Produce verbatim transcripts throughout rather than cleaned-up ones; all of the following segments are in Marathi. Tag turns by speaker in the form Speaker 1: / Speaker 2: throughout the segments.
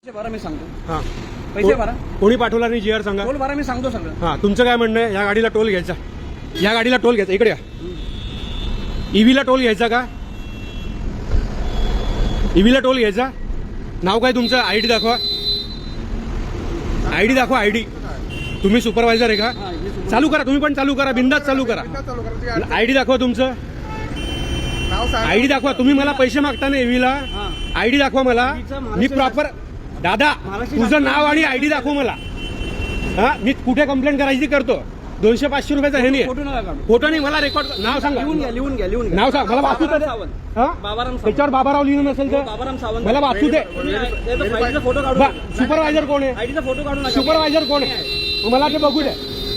Speaker 1: बरं मी सांगतो.
Speaker 2: हां
Speaker 1: पैसे भरा.
Speaker 2: कोणी पाठवला नाही जी आर सांगा.
Speaker 1: टोल भरा मी सांगतो सगळं.
Speaker 2: हां तुमचं काय म्हणणं आहे? या गाडीला टोल घ्यायचा, या गाडीला टोल घ्यायचा. इकडे या. ईव्हीला टोल घ्यायचा का? ईव्हीला टोल घ्यायचा. नाव काय तुमचं? आय डी दाखवा. आय डी दाखवा. आय डी. तुम्ही सुपरवायझर आहे का? चालू करा. तुम्ही पण चालू करा. बिंदास चालू करा. आय डी दाखवा तुमचं. आय डी दाखवा. तुम्ही मला पैसे मागता ना ईव्हीला. आय डी दाखवा मला. मी प्रॉपर दादा तुझं नाव आणि आय डी दाखव मला. हा मी कुठे कंप्लेंट करायची करतो. दोनशे पाचशे रुपयाचा हे नाही. फोटो नाही. मला रेकॉर्ड नाव सांगा.
Speaker 1: लिहून घ्या लिहून घ्या लिहून घ्या.
Speaker 2: नाव सांग मला. वाचू दे.
Speaker 1: बाबाराम
Speaker 2: त्याच्यावर बाबाराव लिहिलं नसेल तर
Speaker 1: बाबाराम सावंत
Speaker 2: मला वाचू दे.
Speaker 1: फोटो काढून
Speaker 2: सुपरवायझर कोण आहे?
Speaker 1: आयडीचा फोटो काढून
Speaker 2: सुपरवायझर कोण आहे? मला ते बघू दे.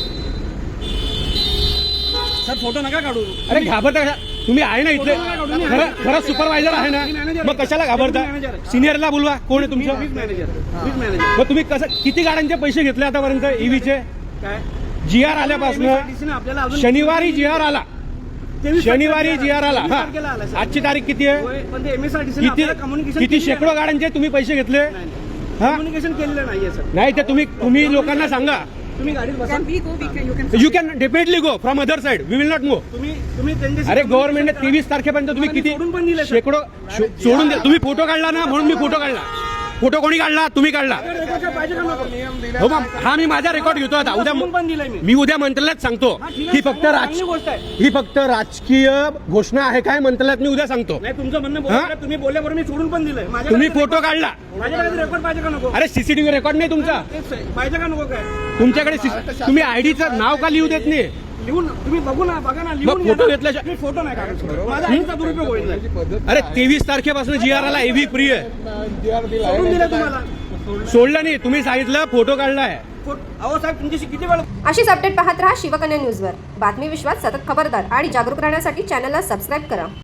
Speaker 1: सर फोटो नका काढू.
Speaker 2: अरे घाबरता कशा? तुम्ही आहे ना इथले? खरं खरं सुपरवायझर आहे ना? मग कशाला घाबरता? सिनियरला बोलवा. कोण आहे तुमचं?
Speaker 1: वीज मॅनेजर. वीज मॅनेजर.
Speaker 2: मग तुम्ही कसं किती गाड्यांचे पैसे घेतले आतापर्यंत ईव्हीचे?
Speaker 1: काय
Speaker 2: जी आर आल्यापासून
Speaker 1: आपल्याला अजून
Speaker 2: शनिवारी जी आर आला. शनिवारी जी आर आला. हा आजची तारीख किती आहे?
Speaker 1: पण ते एमएसआरटीसी
Speaker 2: किती किती शेकडो गाड्यांचे तुम्ही पैसे घेतले? हा
Speaker 1: कम्युनिकेशन केलेलं नाहीये सर.
Speaker 2: नाही ते तुम्ही तुम्ही लोकांना सांगा.
Speaker 1: तुम्ही गाडीत बसा.
Speaker 2: You can definitely go from other side. We will not go.
Speaker 1: तुम्ही तुम्ही त्यांच्याशी
Speaker 2: अरे गव्हर्नमेंटने तेवीस तारखेपर्यंत तुम्ही किती
Speaker 1: सोडून पण दिले सर.
Speaker 2: शेकडो शो- सोडून द्या. तुम्ही फोटो काढला ना म्हणून मी फोटो काढला. फोटो कोणी काढला? तुम्ही काढला.
Speaker 1: पाहिजे का नको?
Speaker 2: हो मग हा मी माझा रेकॉर्ड घेतो आता. उद्या
Speaker 1: सोडून पण दिलाय मी.
Speaker 2: मी उद्या मंत्रालयात सांगतो. ही फक्त राज
Speaker 1: चांगली गोष्ट आहे.
Speaker 2: ही फक्त राजकीय घोषणा आहे काय मंत्रालयात मी उद्या सांगतो.
Speaker 1: नाही तुमचं म्हणणं बरोबर आहे. तुम्ही बोलल्याबरोबर मी सोडून पण दिलंय. माझ्याकडे
Speaker 2: तुम्ही फोटो काढला.
Speaker 1: माझ्याकडे रेकॉर्ड पाहिजे का नको?
Speaker 2: अरे सीसीटीव्ही रेकॉर्ड नाही तुमचा.
Speaker 1: तेच आहे. पाहिजे का नको काय?
Speaker 2: तुमच्याकडे CC तुम्ही आयडीचं नाव का लिहू देत नाही?
Speaker 1: लिहून तुम्ही बघू ना बघा ना
Speaker 2: मग
Speaker 1: लिहून
Speaker 2: फोटो
Speaker 1: घ्या ना.
Speaker 2: घेतल्याशिवाय
Speaker 1: मी फोटो नाही काढत. माझा आईचा दुरुपयोग होईल नाही.
Speaker 2: अरे तेवीस तारखेपासून जी आर आला. एव्ही फ्री आहे.
Speaker 1: सोडून दिलं तुम्हाला.
Speaker 2: सोडलं नाही. तुम्ही सांगितलं फोटो काढलाय.
Speaker 1: फोट- अहो साहेब तुमच्याशी किती वेळ
Speaker 3: अशीच अपडेट पाहत रहा शिवकन्या न्यूजवर. बातमी विश्वास सतत खबरदार आणि जागरूक राहण्यासाठी चॅनलला सबस्क्राईब करा.